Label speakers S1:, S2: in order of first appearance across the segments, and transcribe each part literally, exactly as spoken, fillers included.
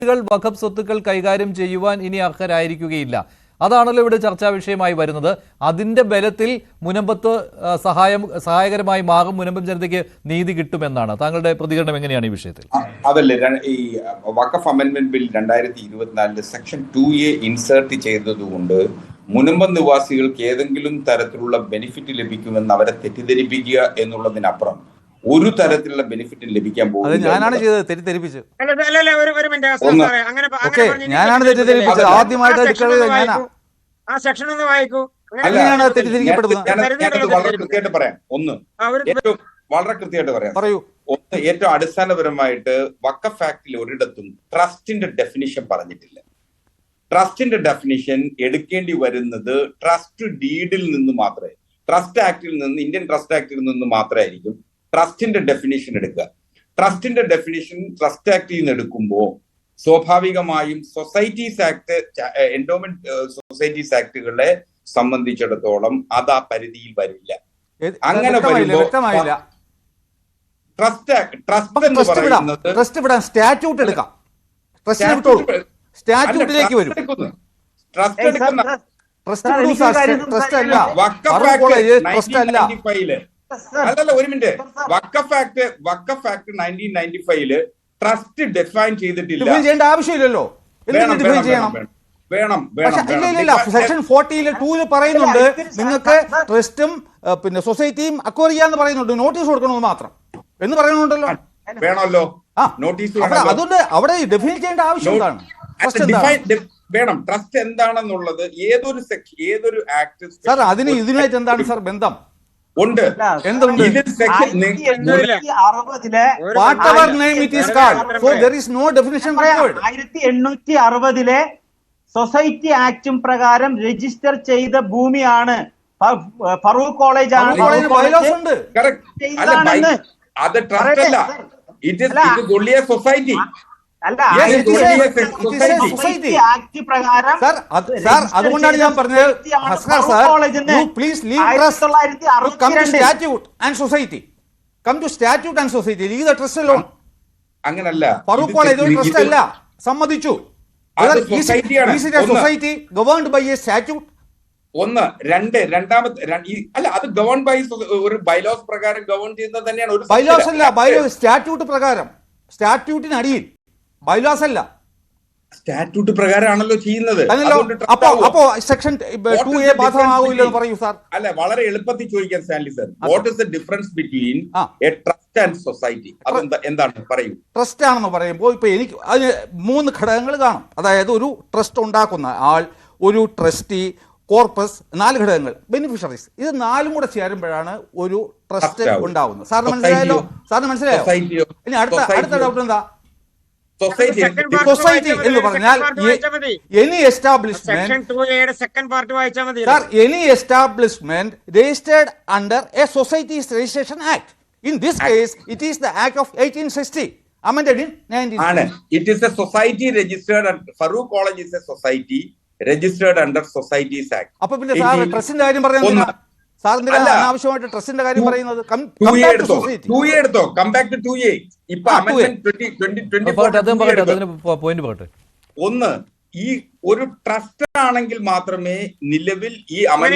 S1: വഖഫ് സ്വത്തുക്കൾ കൈകാര്യം ചെയ്യുവാൻ ഇനി അർഹരായിരിക്കുകയില്ല. അതാണല്ലോ ഇവിടെ ചർച്ചാ വിഷയമായി വരുന്നത്. അതിന്റെ ബലത്തിൽ മുനമ്പത്ത് സഹായം സഹായകരമായി മാറും, മുനമ്പം ജനതയ്ക്ക് നീതി കിട്ടുമെന്നാണ്. താങ്കളുടെ പ്രതികരണം എങ്ങനെയാണ് ഈ വിഷയത്തിൽ?
S2: അതല്ലേ ഈ വഖഫ് അമെൻഡ്മെന്റ് ബിൽ രണ്ടായിരത്തി ഇരുപത്തിനാലില് സെക്ഷൻ ടു എ ഇൻസേർട്ട് ചെയ്തതുകൊണ്ട് മുനമ്പം നിവാസികൾക്ക് ഏതെങ്കിലും തരത്തിലുള്ള ബെനിഫിറ്റ് ലഭിക്കുമെന്ന് അവരെ തെറ്റിദ്ധരിപ്പിക്കുക എന്നുള്ളതിനപ്പുറം ഒരു തരത്തിലുള്ള ബെനിഫിറ്റ് ലഭിക്കാൻ പോകുന്നത്
S3: ഞാനാണ് ചെയ്തത്, തെറ്റിദ്ധരിപ്പിച്ചു.
S4: ഞാനാണ് തെറ്റിദ്ധരിപ്പിച്ചത്. ആദ്യമായിട്ട് ആ സെക്ഷൻ ഒന്ന് വായിക്കൂ.
S2: വളരെ കൃത്യമായിട്ട് പറയാം. ഒന്ന് ഏറ്റവും വളരെ കൃത്യമായിട്ട് പറയാം.
S3: പറയൂ.
S2: ഒന്ന് ഏറ്റവും അടിസ്ഥാനപരമായിട്ട് വഖഫ് ആക്ടിൽ ഒരിടത്തും ട്രസ്റ്റിന്റെ ഡെഫിനിഷൻ പറഞ്ഞിട്ടില്ല. ട്രസ്റ്റിന്റെ ഡെഫിനിഷൻ എടുക്കേണ്ടി വരുന്നത് ട്രസ്റ്റ് ഡീഡിൽ നിന്ന് മാത്രമേ, ട്രസ്റ്റ് ആക്ടിൽ നിന്ന്, ഇന്ത്യൻ ട്രസ്റ്റ് ആക്ടിൽ നിന്ന് മാത്രമായിരിക്കും ട്രസ്റ്റിന്റെ ഡെഫിനിഷൻ എടുക്കുക. ട്രസ്റ്റിന്റെ ഡെഫിനിഷൻ ട്രസ്റ്റ് ആക്ടിൽ നിന്ന് എടുക്കുമ്പോൾ സ്വാഭാവികമായും സൊസൈറ്റീസ് ആക്ട്, എൻഡോമെന്റ് സൊസൈറ്റീസ് ആക്ടുകളെ സംബന്ധിച്ചിടത്തോളം അത് ആ പരിധിയിൽ വരില്ല. അങ്ങനെ വരുമ്പോൾ ട്രസ്റ്റ് ട്രസ്റ്റ് എന്ന് പറയുന്നത്
S3: സ്റ്റാറ്റ്യൂട്ട് എടുക്കാം, സ്റ്റാറ്റ്യൂട്ടിലേക്ക് വരും.
S2: ട്രസ്റ്റ് എടുക്കുന്ന
S3: ട്രസ്റ്റ് അല്ല,
S2: അല്ലല്ല ഒരു minute. Waqf act Waqf act nineteen ninety ഫൈവില് ട്രസ്റ്റ് ഡിഫൈൻ ചെയ്തിട്ടില്ല.
S3: ചെയ്യേണ്ട ആവശ്യമില്ലല്ലോ.
S2: വേണം
S3: സെക്ഷൻ ഫോർട്ടിയില് ടൂല് പറയുന്നുണ്ട് നിങ്ങൾക്ക് ട്രസ്റ്റും പിന്നെ സൊസൈറ്റിയും അക്വയർ ചെയ്യാന്ന് പറയുന്നുണ്ട്, നോട്ടീസ് കൊടുക്കണമെന്ന് മാത്രം എന്ന് പറയുന്നുണ്ടല്ലോ.
S2: വേണമല്ലോ നോട്ടീസ്.
S3: അതുകൊണ്ട് അവിടെ ഡിഫൈൻ ചെയ്യേണ്ട ആവശ്യം എന്താണ്?
S2: വേണം. ട്രസ്റ്റ് എന്താണെന്നുള്ളത് ഏതൊരു സെക്ഷൻ ഏതൊരു ആക്ട്
S3: സാർ അതിന് ഇതിനായിട്ട് എന്താണ് സാർ ബന്ധം?
S2: ഉണ്ട്.
S4: ആയിരത്തി എണ്ണൂറ്റി അറുപതിലെ സൊസൈറ്റി ആക്ടും പ്രകാരം രജിസ്റ്റർ ചെയ്ത ഭൂമിയാണ്. ഫറൂഖ് കോളേജ് ആണ്.
S2: അത് ട്രസ്റ്റ് അല്ല, it is only a society.
S3: അതുകൊണ്ടാണ് ഞാൻ പറഞ്ഞത് please leave come to statute and society come to statute and society leave the trust alone.
S2: അങ്ങനല്ല,
S3: ഫറൂഖ് കോളേജ് ഒരു ട്രസ്റ്റ് അല്ല, സമ്മതിച്ചു. Society governed by a statute.
S2: ഒന്ന് രണ്ട് രണ്ടാമത്തെ അല്ല, അത് ഗവേൺ ബൈ ഒരു ബൈലോസ് പ്രകാരം ഗവേൺ ചെയ്യുന്നത് തന്നെയാണ്. ഒരു
S3: ബൈലോസ് അല്ല, ബൈലോ സ്റ്റാറ്റ്യൂട്ട് പ്രകാരം, സ്റ്റാറ്റ്യൂട്ടിന് അടിയിൽ, ബൈലോസ് അല്ല.
S2: സ്റ്റാറ്റ്യൂട്ട് പ്രകാരമാണല്ലോ ചെയ്യുന്നത്.
S3: അപ്പോ അപ്പോ സെക്ഷൻ ടു എ ബാധകമാകില്ലെന്ന് പറയൂ സാർ.
S2: അല്ല, വളരെ എളുപ്പത്തിൽ ചോദിക്കാൻ Stanley sir, what is the difference between a trust and society? അതെന്താ എന്താണ് പറയൂ.
S3: ട്രസ്റ്റ് ആണെന്ന് പറയുമ്പോൾ ഇപ്പൊ എനിക്ക് അതിന് മൂന്ന് ഘടകങ്ങൾ കാണും. അതായത് ഒരു ട്രസ്റ്റ് ഉണ്ടാക്കുന്ന ആൾ, ഒരു ട്രസ്റ്റി, കോർപ്പസ്, നാല് ഘടകങ്ങൾ, ബെനിഫിഷ്യറീസ്. ഇത് നാലും കൂടെ ചേരുമ്പോഴാണ് ഒരു ട്രസ്റ്റ് ഉണ്ടാവുന്നത്. സാറിന് മനസ്സിലായല്ലോ? സാറിന് മനസ്സിലായോ? ഇനി അടുത്ത അടുത്ത ഡൗട്ട് എന്താ? സൊസൈറ്റി എന്ന് പറഞ്ഞാൽ any establishment sir any establishment registered under a societies registration act. In this case it is the act of eighteen sixty amended in nineteen
S2: ആണ്. It is a society registered at Farooq College is a society registered under Societies Act.
S3: അപ്പൊ പിന്നെ sir ട്രസ്റ്റിന്റെ കാര്യം പറയുന്നത് സാറിന്റെ അനാവശ്യമായിട്ട് ട്രസ്റ്റിന്റെ കാര്യം പറയുന്നത്.
S2: ഒന്ന്, ഈ ഒരു ട്രസ്റ്റ് ആണെങ്കിൽ മാത്രമേ നിലവിൽ ഈ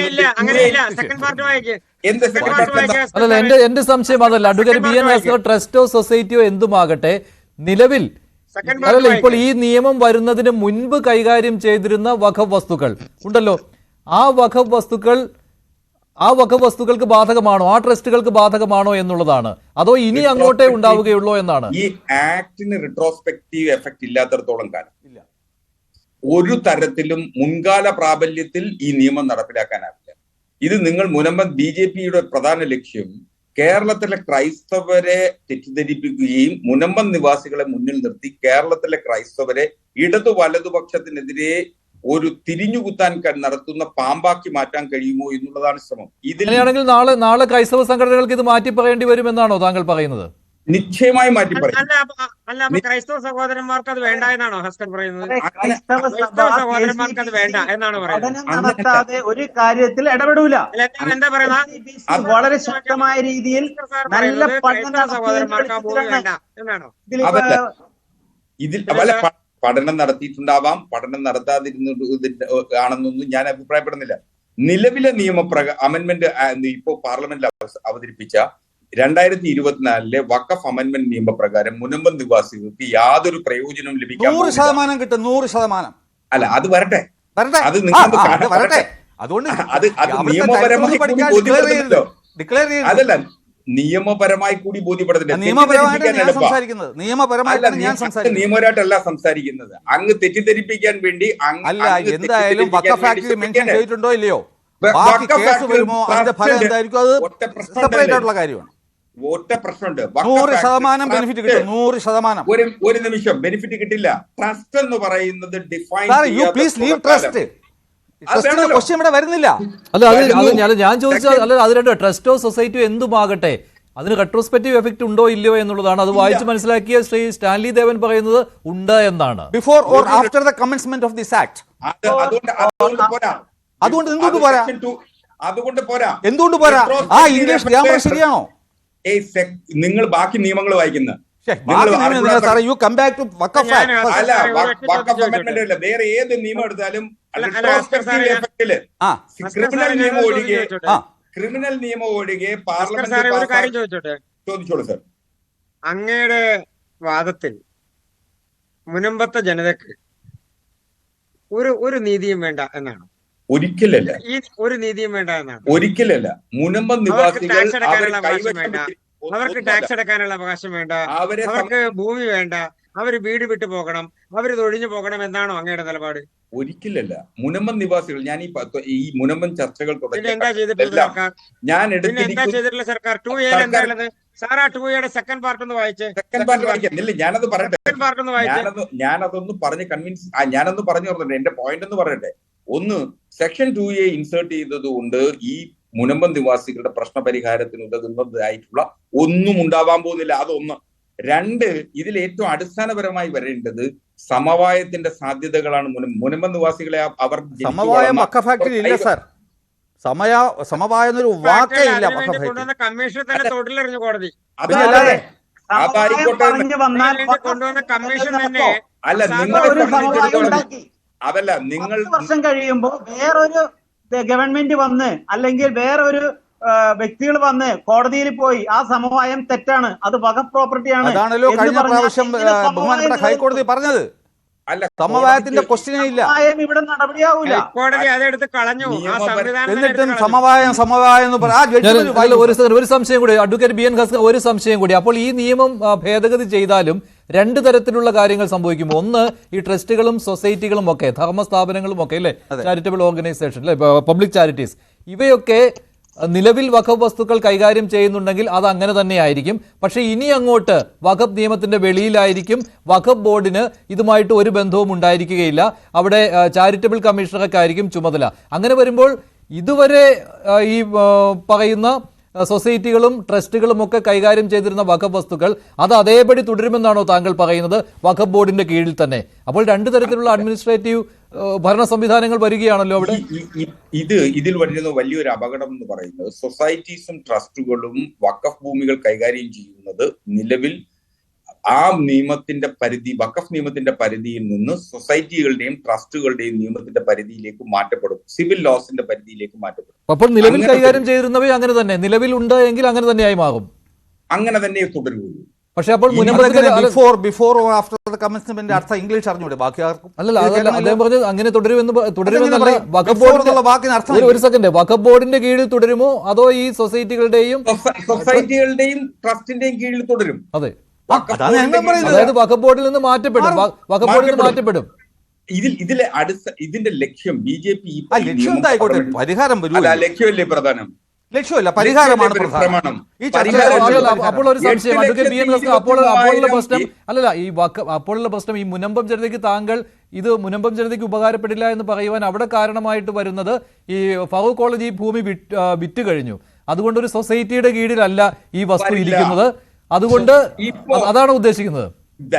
S1: അല്ലല്ല എന്റെ എന്റെ സംശയം അതല്ല. അഡ്വക്കേറ്റ് ബി എൻ വാസുദേവൻ ട്രസ്റ്റോ സൊസൈറ്റിയോ എന്തുമാകട്ടെ, നിലവിൽ അല്ലല്ല ഇപ്പോൾ ഈ നിയമം വരുന്നതിന് മുൻപ് കൈകാര്യം ചെയ്തിരുന്ന വഖഫ് വസ്തുക്കൾ ഉണ്ടല്ലോ, ആ വഖഫ് വസ്തുക്കൾ ആ വഖഫ് വസ്തുക്കൾക്ക് ബാധകമാണോ, ആ ട്രസ്റ്റുകൾക്ക് ബാധകമാണോ എന്നുള്ളതാണ്. അതോ ഇനി അങ്ങോട്ടേ ഉണ്ടാവുകയുള്ളൂ എന്നാണ്?
S2: ഈ ആക്ടിന് റിട്രോസ്പെക്റ്റീവ് എഫക്ട് ഇല്ലാത്തടത്തോളം കാലം ഒരു തരത്തിലും മുൻകാല പ്രാബല്യത്തിൽ ഈ നിയമം നടപ്പിലാക്കാനാവില്ല. ഇത് നിങ്ങൾ മുനമ്പം ബി ജെ പിയുടെ പ്രധാന ലക്ഷ്യം കേരളത്തിലെ ക്രൈസ്തവരെ തെറ്റിദ്ധരിപ്പിക്കുകയും മുനമ്പം നിവാസികളെ മുന്നിൽ നിർത്തി കേരളത്തിലെ ക്രൈസ്തവരെ ഇടതു വലതുപക്ഷത്തിനെതിരെ ഒരു തിരിഞ്ഞുകുത്താൻ നടത്തുന്ന പാമ്പാക്കി മാറ്റാൻ കഴിയുമോ എന്നുള്ളതാണ് ശ്രമം.
S1: ഇതിലാണെങ്കിൽ നാളെ നാളെ ക്രൈസ്തവ സംഘടനകൾക്ക് ഇത് മാറ്റി പറയേണ്ടി വരുമെന്നാണോ താങ്കൾ പറയുന്നത്?
S2: നിശ്ചയമായി മാറ്റി പറയും.
S4: അല്ല, ക്രൈസ്തവ സഹോദരന്മാർക്ക് അത് വേണ്ട എന്നാണോ ഹസ്കൻ പറയുന്നത്? സഹോദരന്മാർക്ക് അത് വേണ്ട എന്നാണ് പറയുന്നത്. ഒരു കാര്യത്തിൽ ഇടപെടൂല. എന്താ പറയുന്നത്? വളരെ ശക്തമായ രീതിയിൽ നല്ല
S2: ഇതിൽ പഠനം നടത്തിയിട്ടുണ്ടാവാം, പഠനം നടത്താതിരുന്ന ആണെന്നൊന്നും ഞാൻ അഭിപ്രായപ്പെടുന്നില്ല. നിലവിലെ നിയമപ്രക അമെന്റ്മെന്റ് ഇപ്പോ പാർലമെന്റിൽ അവതരിപ്പിച്ച രണ്ടായിരത്തി ഇരുപത്തിനാലിലെ വഖഫ് അമെന്റ്മെന്റ് നിയമപ്രകാരം മുനമ്പം നിവാസികൾക്ക് യാതൊരു പ്രയോജനവും ലഭിക്കാൻ
S3: നൂറ് ശതമാനം കിട്ടും. നൂറ് ശതമാനം
S2: അല്ല, അത് വരട്ടെ,
S3: വരട്ടെ,
S2: അത് നിങ്ങൾ
S3: വരട്ടെ. അതുകൊണ്ട്
S2: അത് അത് നിയമപരമായി കൂടി ബോധ്യപ്പെടുന്നില്ലല്ലോ.
S3: ഡിക്ലെയർ ചെയ്തു.
S2: അതല്ല, നിയമപരമായി കൂടി ബോധ്യപ്പെടുന്നില്ല.
S3: നിയമപരമായിട്ടാണ് ഞാൻ സംസാരിക്കുന്നത്. നിയമപരമായിട്ടാണ് ഞാൻ സംസാരിക്കുന്നത്.
S2: നിയമപരമായിട്ടല്ല സംസാരിക്കുന്നത്. അങ്ങ് തെറ്റിദ്ധരിപ്പിക്കാൻ വേണ്ടി
S3: അല്ല. എന്തായാലും വഖഫ് ആക്ടിൽ മെൻഷൻ ചെയ്തിട്ടുണ്ടോ ഇല്ലയോ, ബാക്കി കേസ് വരുമോ അതിന്റെ ഫലം എന്തായിരിക്കും, അത് സെപ്പറേറ്റ് ആയിട്ടുള്ള കാര്യമാണ്.
S2: ഒറ്റ പ്രശ്നമുണ്ട്.
S3: നൂറ് ശതമാനം ബെനിഫിറ്റ് കിട്ടും. നൂറ് ശതമാനം.
S2: ഒരു ഒരു നിമിഷം ബെനിഫിറ്റ് കിട്ടില്ല. ട്രസ്റ്റ് എന്ന് പറയുന്നത് define
S3: you please leave trust. Question ഇവിടെ വരുന്നില്ല.
S1: അല്ല, അത് ഞാൻ ചോദിച്ചാൽ അല്ല, അത് രണ്ടോ ട്രസ്റ്റോ സൊസൈറ്റിയോ എന്തുമാകട്ടെ അതിന് റെട്രോസ്പെക്റ്റീവ് എഫക്ട് ഉണ്ടോ ഇല്ലയോ എന്നുള്ളതാണ്. അത് വായിച്ച് മനസ്സിലാക്കിയ ശ്രീ സ്റ്റാൻലി ദേവൻ പറയുന്നത് ഉണ്ട് എന്നാണ്.
S3: Before or after the commencement of this act. അതുകൊണ്ട് എന്തുകൊണ്ട് പോരാ?
S2: അതുകൊണ്ട് പോരാ.
S3: എന്തുകൊണ്ട് പോരാ? ആ ഇംഗ്ലീഷ് ഗ്രാമർ ശരിയാണോ?
S2: നിങ്ങൾ ബാക്കി നിയമങ്ങൾ വായിക്കുന്നത് വേറെ ഏത് നിയമം എടുത്താലും ക്രിമിനൽ നിയമം ഒഴികെ ക്രിമിനൽ നിയമം ഒഴികെ പാർലമെന്റ് ചോദിച്ചോളൂ സർ.
S4: അങ്ങയുടെ വാദത്തിൽ മുനമ്പത്തെ ജനതക്ക് ഒരു ഒരു നീതിയും വേണ്ട എന്നാണ്?
S2: ഒരിക്കലല്ല.
S4: ഈ ഒരു നീതിയും വേണ്ട എന്നാണ്?
S2: ഒരിക്കലല്ല. മുനമ്പം നിവാസികൾ
S4: അവർക്ക് ടാക്സ് അടക്കാനുള്ള അവകാശം വേണ്ട, അവർക്ക് ഭൂമി വേണ്ട, അവര് വീട് വിട്ടു പോകണം, അവര് തൊഴിഞ്ഞു പോകണം എന്നാണോ അങ്ങയുടെ നിലപാട്?
S2: ഒരിക്കലല്ല. മുനമ്പം നിവാസികൾ, ഞാൻ ഈ ഈ മുനമ്പം ചർച്ചകൾ
S4: എന്താ ചെയ്തിട്ടുള്ള സർക്കാർ?
S2: ഞാൻ
S4: എന്താ ചെയ്തിട്ടുള്ള സർക്കാർ? ടു എ എന്താ ഉള്ളത് സാർ? ആ ടു എയുടെ സെക്കൻഡ് പാർട്ട് ഒന്ന് വായിച്ചേ.
S2: സെക്കൻഡ് പാർട്ട് വായിക്കാം. ഞാനത് പറയട്ടെ.
S4: സെക്കൻഡ് പാർട്ട് ഒന്ന് വായിച്ചേ.
S2: ഞാനതൊന്ന് പറഞ്ഞ് കൺവിൻസ് ഞാനൊന്ന് പറഞ്ഞു പറഞ്ഞിട്ട് എന്റെ പോയിന്റ് ഒന്ന് പറയട്ടെ. ഒന്ന്, സെക്ഷൻ ടു എ ഇൻസേർട്ട് ചെയ്തത് കൊണ്ട് ഈ മുനമ്പം നിവാസികളുടെ പ്രശ്ന പരിഹാരത്തിന് ഉതകുന്നതായിട്ടുള്ള ഒന്നും ഉണ്ടാവാൻ പോകുന്നില്ല. അതൊന്ന്. രണ്ട്, ഇതിൽ ഏറ്റവും അടിസ്ഥാനപരമായി വരേണ്ടത് സമവായത്തിന്റെ സാധ്യതകളാണ്. മുനമ്പം നിവാസികളെ അവർ
S3: സമവായം വഖഫ് ആക്ടിൽ ഇല്ല സാർ. സമയ സമവായം എന്നൊരു വാക്കേ ഇല്ല.
S4: കമ്മീഷൻ തന്നെ തൊട്ടിലെറിഞ്ഞു കോടതി.
S2: അതല്ലാതെ അതായിക്കോട്ടെ.
S4: കൊണ്ടുവന്ന കമ്മീഷൻ തന്നെ
S2: അല്ല, നിങ്ങൾ അതല്ല നിങ്ങൾ
S5: വർഷം കഴിയുമ്പോൾ വേറൊരു ഗവൺമെന്റ് വന്ന് അല്ലെങ്കിൽ വേറൊരു വ്യക്തികൾ വന്ന് കോടതിയിൽ പോയി ആ സമവായം തെറ്റാണ്, അത് വഖഫ് പ്രോപ്പർട്ടിയാണ്,
S3: അതാണല്ലോ കഴിഞ്ഞ പ്രാവശ്യം ബഹുമാനപ്പെട്ട ഹൈക്കോടതി പറഞ്ഞത്.
S2: അല്ല,
S3: സമവായത്തിന്റെ ക്വസ്റ്റ്യൻ ഇല്ല.
S5: ഇവിടെ നടപടിയാവൂല.
S4: കോടതി അതെടുത്ത് കളഞ്ഞു.
S3: എന്നിട്ടും സമവായം സമവായം എന്ന് പറയാം.
S1: ഒരു സംശയം കൂടി അഡ്വക്കേറ്റ് ബി എൻ ഹസ്കർ, ഒരു സംശയം കൂടി. അപ്പോൾ ഈ നിയമം ഭേദഗതി ചെയ്താലും രണ്ട് തരത്തിലുള്ള കാര്യങ്ങൾ സംഭവിക്കും. ഒന്ന്, ഈ ട്രസ്റ്റുകളും സൊസൈറ്റികളും ഒക്കെ, ധർമ്മസ്ഥാപനങ്ങളും ഒക്കെ അല്ലേ, ചാരിറ്റബിൾ ഓർഗനൈസേഷൻ അല്ലെ, പബ്ലിക് ചാരിറ്റീസ്, ഇവയൊക്കെ നിലവിൽ വഖഫ് വസ്തുക്കൾ കൈകാര്യം ചെയ്യുന്നുണ്ടെങ്കിൽ അത് അങ്ങനെ തന്നെയായിരിക്കും. പക്ഷേ ഇനി അങ്ങോട്ട് വഖഫ് നിയമത്തിന്റെ വെളിയിലായിരിക്കും. വഖഫ് ബോർഡിന് ഇതുമായിട്ട് ഒരു ബന്ധവും ഉണ്ടായിരിക്കുകയില്ല. അവിടെ ചാരിറ്റബിൾ കമ്മീഷണറൊക്കെ ആയിരിക്കും ചുമതല. അങ്ങനെ വരുമ്പോൾ ഇതുവരെ ഈ പറയുന്ന സൊസൈറ്റികളും ട്രസ്റ്റുകളും ഒക്കെ കൈകാര്യം ചെയ്തിരുന്ന വഖഫ് വസ്തുക്കൾ അത് അതേപടി തുടരുമെന്നാണോ താങ്കൾ പറയുന്നത്, വഖഫ് ബോർഡിന്റെ കീഴിൽ തന്നെ? അപ്പോൾ രണ്ടു തരത്തിലുള്ള അഡ്മിനിസ്ട്രേറ്റീവ് ഭരണ സംവിധാനങ്ങൾ വരികയാണല്ലോ അവിടെ.
S2: ഇത് ഇതിൽ വരുന്ന വലിയൊരു അപകടം എന്ന് പറയുന്നത് സൊസൈറ്റീസും ട്രസ്റ്റുകളും വഖഫ് ഭൂമികൾ കൈകാര്യം ചെയ്യുന്നത് നിലവിൽ ആ നിയമത്തിന്റെ പരിധി, വഖഫ് നിയമത്തിന്റെ പരിധിയിൽ നിന്ന് സൊസൈറ്റികളുടെയും ട്രസ്റ്റുകളുടെയും നിയമത്തിന്റെ പരിധിയിലേക്ക് മാറ്റപ്പെടും, സിവിൽ ലോസിന്റെ പരിധിയിലേക്ക് മാറ്റപ്പെടും.
S1: അപ്പോൾ നിലവിൽ കൈകാര്യം ചെയ്തിരുന്നവയെ അങ്ങനെ തന്നെ നിലവിൽ ഉണ്ട് എങ്കിൽ അങ്ങനെ തന്നെയായി മാറും.
S2: അങ്ങനെ തന്നെ തുടരുകയുള്ളൂ.
S1: പക്ഷെ അപ്പോൾ
S3: before before after the commencement അർത്ഥം ഇംഗ്ലീഷ് അറിഞ്ഞൂടെ ബാക്കി ആർക്കും?
S1: അല്ലല്ല, അതല്ല അദ്ദേഹം പറഞ്ഞത് അങ്ങനെ തുടരുമെന്ന് തുടരുമെന്നല്ല. വഖഫ് ബോർഡിന്റെ ഒരു സെക്കൻഡ്, വഖഫ് ബോർഡിന്റെ കീഴിൽ തുടരുമോ അതോ ഈ സൊസൈറ്റികളുടെയും
S2: സൊസൈറ്റികളുടെയും ട്രസ്റ്റിന്റെയും കീഴിൽ തുടരും?
S1: അതെ, അതായത് വഖഫ് ബോർഡിൽ നിന്ന് മാറ്റപ്പെടും. വഖഫ് ബോർഡിൽ നിന്ന് മാറ്റപ്പെടും.
S2: ഇതിൽ ഇതിലെ അടുത്ത ഇതിന്റെ ലക്ഷ്യം ബി ജെ പി
S3: പരിഹാരം
S2: ലക്ഷ്യമല്ലേ പ്രധാനം?
S3: ലക്ഷ്യമല്ല, പരിഹാരമാണ് പ്രധാനം.
S1: അപ്പോൾ ഒരു സംശയം അഡ്വക്കേറ്റ് ബി എൻ ഹസ്കർ, അപ്പോൾ അപ്പോഴുള്ള പ്രശ്നം അല്ലല്ല ഈ വഖഫ് അപ്പോഴുള്ള പ്രശ്നം ഈ മുനമ്പം ജനതയ്ക്ക് താങ്കൾ ഇത് മുനമ്പം ജനതയ്ക്ക് ഉപകാരപ്പെടില്ല എന്ന് പറയുവാൻ അവിടെ കാരണമായിട്ട് വരുന്നത് ഈ ഫറൂഖ് കോളേജ് ഈ ഭൂമി വിറ്റ് കഴിഞ്ഞു. അതുകൊണ്ട് ഒരു സൊസൈറ്റിയുടെ കീഴിലല്ല ഈ വസ്തു ഇരിക്കുന്നത്. അതുകൊണ്ട് അതാണ് ഉദ്ദേശിക്കുന്നത്.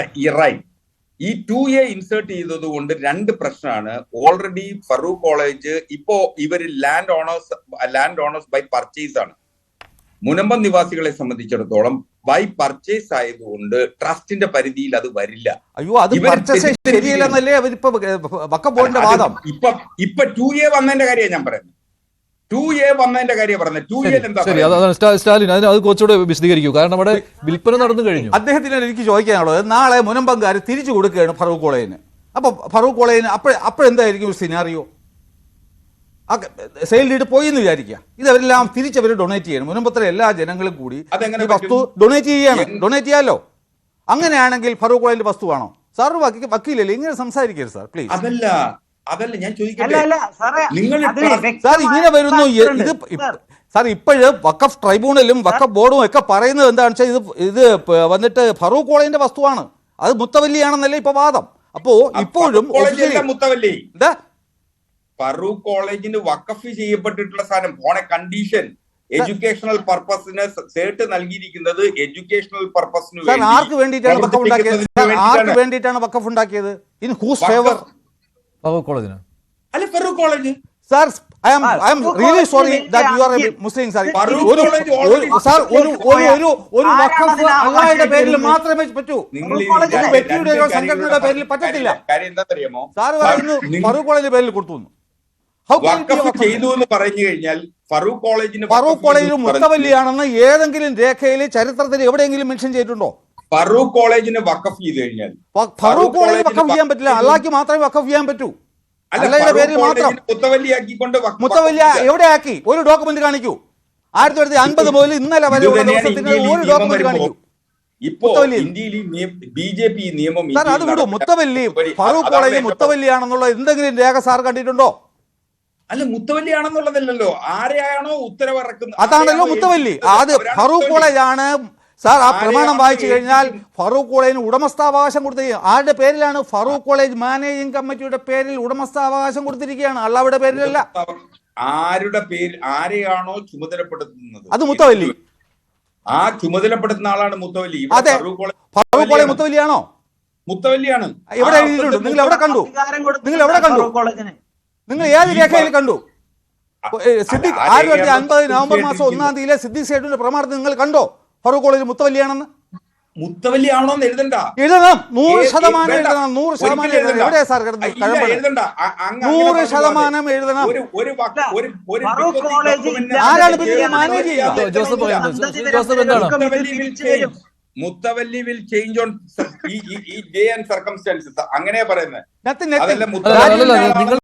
S2: ഈ ടു എ ഇൻസേർട്ട് ചെയ്തത് കൊണ്ട് രണ്ട് പ്രശ്നമാണ്. ഓൾറെഡി ഫറൂഖ് കോളേജ് ഇപ്പോ ഇവര് land owners land owners by purchase ആണ്. മുനമ്പം നിവാസികളെ സംബന്ധിച്ചിടത്തോളം ബൈ പർച്ചേസ് ആയതുകൊണ്ട് ട്രസ്റ്റിന്റെ പരിധിയിൽ അത് വരില്ല.
S3: അയ്യോ അത്
S2: ഇവര്
S3: പർച്ചേസ് ശരിയല്ലെന്നല്ലേ അവരിപ്പോ വഖഫ് ബോർഡിന്റെ വാദം.
S2: ഇപ്പൊ ഇപ്പൊ ടു എ വന്നതിന്റെ കാര്യമാണ് ഞാൻ പറയുന്നത്. ടു എ വന്നതിന്റെ കാര്യം പറഞ്ഞത്. ടു എ എന്താ
S1: ശരി, അതാണ് സ്റ്റാ- സ്റ്റാലിൻ അതിന് അത് കുറച്ചുകൂടെ വിശദീകരിക്കൂ. കാരണം അവിടെ വിൽപ്പന നടന്നു കഴിഞ്ഞു.
S3: അദ്ദേഹത്തിന് എനിക്ക് ചോദിക്കാനുള്ളത്, നാളെ മുനമ്പംകാർ തിരിച്ചു കൊടുക്കുകയാണ് ഫറൂഖ് കോളേജിന്. അപ്പൊ ഫറൂഖ് കോളേജിന് അപ്പോഴ അപ്പോഴെന്തായിരിക്കും ഒരു സിനാറിയോ? ആ സെയിൽ ഡീഡ് പോയി എന്ന് വിചാരിക്കുക, ഇതവരെല്ലാം തിരിച്ചവർ ഡൊണേറ്റ് ചെയ്യണം. മുനമ്പത്തിലെ എല്ലാ ജനങ്ങളും കൂടി
S2: അതെങ്ങനെ
S3: ഈ വസ്തു ഡൊണേറ്റ് ചെയ്യാണ്. ഡൊണേറ്റ് ചെയ്യാലോ. അങ്ങനെയാണെങ്കിൽ ഫറൂഖ് കോളേജിന്റെ വസ്തുവാണോ? സാർ വക്കീ- വക്കീലല്ലേ, ഇങ്ങനെ സംസാരിക്കരുത് സാർ പ്ലീസ്.
S2: അതല്ല അതല്ല ഞാൻ
S5: അല്ല
S2: ചോദിക്കട്ടെ.
S5: അല്ല സാറേ
S2: നിങ്ങൾ
S5: അത്
S2: ട്രസ്റ്റ്-
S3: സാർ
S5: വ്യക്തമായ
S3: ഇങ്ങനെ വരുന്നു.
S5: factor ഉണ്ട്.
S3: ഇത്
S5: സാർ,
S3: സാർ ഇപ്പോഴ് വഖഫ് ട്രൈബ്യൂണലും വഖഫ് ബോർഡും ഒക്കെ പറയുന്നത് എന്താണെന്ന് വെച്ചാൽ ഇത് ഇത് പ- വന്നിട്ട് ഫറൂഖ് കോളേജിന്റെ വസ്തുവാണ്, അത് മുത്തവല്ലിയാണെന്നല്ലേ ഇപ്പൊ വാദം. അപ്പോ ഇപ്പോഴും
S2: ഫറൂഖ് കോളേജ് അല്ല മുത്തവല്ലി.
S3: എന്താ
S2: ഫറൂഖ് കോളേജിന് വഖഫ് ചെയ്യപ്പെട്ടിട്ടുള്ള സാധനം ഓൺ എ കണ്ടീഷൻ എഡ്യൂക്കേഷണൽ പർപ്പസിന് സേർട്ട് നൽകിയിരിക്കുന്നത് എഡ്യൂക്കേഷണൽ പർപ്പസിന്
S3: സാർ ആർക്ക് വേണ്ടിയിട്ടാണ് വഖഫ് ഉണ്ടാക്കിയത്? സാർ ആർക്ക് വേണ്ടിയിട്ടാണ് വഖഫ് ഉണ്ടാക്കിയത്? In whose favour?
S1: ഫറൂഖ് കോളേജിന്
S2: അല്ല Farook college.
S3: Sir I am I am really sorry that you are a Muslim. Sir
S2: Farook
S3: ഒരു
S2: കോളേജ്
S3: ഒരു-
S2: already
S3: സാർ ഒരു ഒരു ഒരു ഒരു വഖഫ് അള്ളാഹയുടെ പേരിൽ മാത്രമേ പറ്റൂ.
S2: നിങ്ങൾ ഈ
S5: കോളേജ്
S2: രണ്ട്
S3: വ്യക്തിയുടെയോ
S2: കാര്യങ്ങളുടെ
S3: സംഘടനയുടെ പേരിൽ പറ്റത്തില്ല.
S2: കാര്യം എന്താ അറിയാമോ?
S3: സാർ പറയുന്നു ഫറൂഖ് കോളേജിന്റെ പേരിൽ കൊടുത്തു. How can it be
S2: വഖഫ്
S3: വഖഫ്?
S2: ചെയ്തു എന്ന് പറഞ്ഞു കഴിഞ്ഞാൽ ഫറൂഖ് കോളേജിന്
S3: ഫറൂഖ് കോളേജിൽ മുത്തവല്ലിയാണെന്ന് ഏതെങ്കിലും രേഖയിൽ ചരിത്രത്തിൽ എവിടെയെങ്കിലും മെൻഷൻ ചെയ്തിട്ടുണ്ടോ?
S2: ഫറൂഖ് കോളേജിന് വഖഫ് ചെയ്ത് കഴിഞ്ഞാൽ
S3: ഫ- ഫറൂഖ് കോളേജിൽ വഖഫ് ചെയ്യാൻ പറ്റില്ല, അള്ളാഹ്ക്ക് മാത്രമേ വഖഫ് ചെയ്യാൻ പറ്റൂ.
S2: അല്ല,
S3: അള്ളാഹയുടെ
S2: ഫറൂഖ്
S3: പേരിൽ മാത്രം.
S2: കോളേജിന് മുത്തവല്ലിയാക്കിക്കൊണ്ട് വഖഫ്
S3: മുത്തവല്ലിയ
S2: ചെയ്യാം.
S3: എവിടെ ആക്കി? ഒരു ഡോക്യുമെന്റ് കാണിക്കൂ. ആയിരത്തി തൊള്ളായിരത്തി അൻപത് മുതൽ ഇന്നലെ വരെ
S2: ഇത്
S3: ഉള്ള
S2: തന്നെയാണ്
S3: ദിവസത്തിന്
S2: ഇന്ത്യയിൽ ഈ
S3: ഒരു
S2: നിയമം
S3: ഡോക്യുമെന്റ്
S2: വരുമ്പോ
S3: കാണിക്കൂ.
S2: ഇപ്പോ
S3: മുത്തവല്ലി.
S2: ഇന്ത്യയിൽ ബി ജെ പി നിയമം
S3: സാർ
S2: ഇന്ത്യയിൽ
S3: അത് വിടൂ.
S2: നടപ്പിലാ-
S3: മുത്തവല്ലി
S2: മുത്തവല്ലി,
S3: ഫറൂഖ്
S2: അതാണ്
S3: കോളേജ്
S2: എന്റെ
S3: മുത്തവല്ലിയാണെന്നുള്ള എന്തെങ്കിലും രേഖ സാർ കണ്ടിട്ടുണ്ടോ?
S2: അല്ല മുത്തവല്ലിയാണെന്നുള്ളതല്ലല്ലോ, ആരെയാണോ ഉത്തരവിറക്കുന്നത്
S3: അതാണല്ലോ
S2: ആരെയാണോ
S3: മുത്തവല്ലി.
S2: ഏൽപ്പിക്കുന്നത്
S3: അത്
S2: അവരാണ്
S3: ഫറൂഖ്
S2: മുത്തവല്ലി.
S3: കോളേജ് ആണ് സാർ. ആ പ്രമാണം
S2: ആരെയാണോ
S3: വായിച്ചു കഴിഞ്ഞാൽ
S2: ഏൽപ്പിക്കുന്നത്?
S3: ഫറൂഖ് കോളേജിന് ഉടമസ്ഥാവകാശം കൊടുത്തിരിക്കുക. ആരുടെ പേരിലാണ്? ഫറൂഖ് കോളേജ് മാനേജിംഗ് കമ്മിറ്റിയുടെ പേരിൽ ഉടമസ്ഥാവകാശം കൊടുത്തിരിക്കുകയാണ്, അള്ളാഹുടെ പേരിലല്ല.
S2: ആരുടെ പേര് ആരെയാണോ ചുമതലപ്പെടുത്തുന്നത്
S3: അത് മുത്തവല്ലി.
S2: ആ ചുമതലപ്പെടുത്തുന്ന ആളാണ് മുത്തവല്ലി. ഇവിടെ
S3: അതെ.
S2: ഫറൂഖ് കോളേജ്
S3: ഫറൂഖ് കോളേജ് മുത്തവല്ലിയാണോ?
S2: മുത്തവല്ലിയാണ്.
S3: എവിടെ
S2: ആ
S3: എഴുതിയിട്ടുണ്ട്?
S2: അർത്ഥത്തിൽ
S3: നിങ്ങൾ എവിടെ കണ്ടു?
S5: അധികാരം കൊടുത്തു
S3: നിങ്ങൾ എവിടെ കണ്ടു?
S5: ഫറൂഖ് കോളേജിന്.
S3: നിങ്ങൾ ഏത്
S2: ഈ
S3: രേഖയിൽ
S2: ഫ-
S3: കണ്ടു? ഏ, സിദ്ദിഖ്
S2: ആ
S3: ആയിരത്തി തൊള്ളായിരത്തി
S2: രേഖ
S3: അൻപത് നവംബർ മാസം
S2: തീർച്ചയായിട്ടും
S3: ഒന്നാം തീയതിയിലെ സിദ്ദിഖ് സേഠിന്റെ പ്രമാണത്തിൽ നിങ്ങൾ കണ്ടോ ഫറൂഖ് കോളേജ് മുത്തവല്ലിയാണെന്ന്?
S2: മുത്തവല്ലി ആണോന്ന് എഴുതണ്ട.
S3: എഴുതണം. നൂറ്
S2: ഏ-
S3: ശതമാനം
S2: വേണ്ട.
S3: എഴുതണം. നൂറ് ശതമാനം
S2: ഒരിക്കലും
S3: എഴുതണം.
S2: എഴുതണ്ട.
S3: എവിടെയാ സാർ കിടന്നത്?
S2: ഇല്ല,
S3: കഴമ്പ്
S2: എഴുതണ്ട. അ- അങ്ങ് അങ്ങനെ
S3: നൂറ്
S2: പറഞ്ഞു
S3: ശതമാനം
S2: പോകാതെ.
S3: എഴുതണം.
S2: ഒരു ഒരു വക- ഒരു ഒരു
S5: ഫറൂഖ്
S2: ബിക്കോസ് ഈ
S5: കോളേജ്
S2: document
S5: ഇല്ലാതെ
S3: ആരാണ്
S2: ചെയ്യാൻ
S3: പിന്നെ മാനേജ്
S2: പറ്റില്ല.
S3: ചെയ്യുക?
S2: ചെയ്യാൻ
S1: ജോസഫ്
S2: പറ്റില്ല.
S1: പറയുന്നത് ജോസഫ് എന്താണ്?
S2: മുത്തവല്ലി will change. മുത്തവല്ലി വിൽ ചേഞ്ച് ഓൺ ഈ ഡേ ആൻഡ് സർക്കംസ്റ്റാൻസസ് അങ്ങനെയാ പറയുന്നത്.
S3: Nothing, nothing.
S2: അതല്ല
S1: അല്ല, അല്ല, അല്ല,
S2: മുത്തവല്ലി
S1: നിങ്ങൾ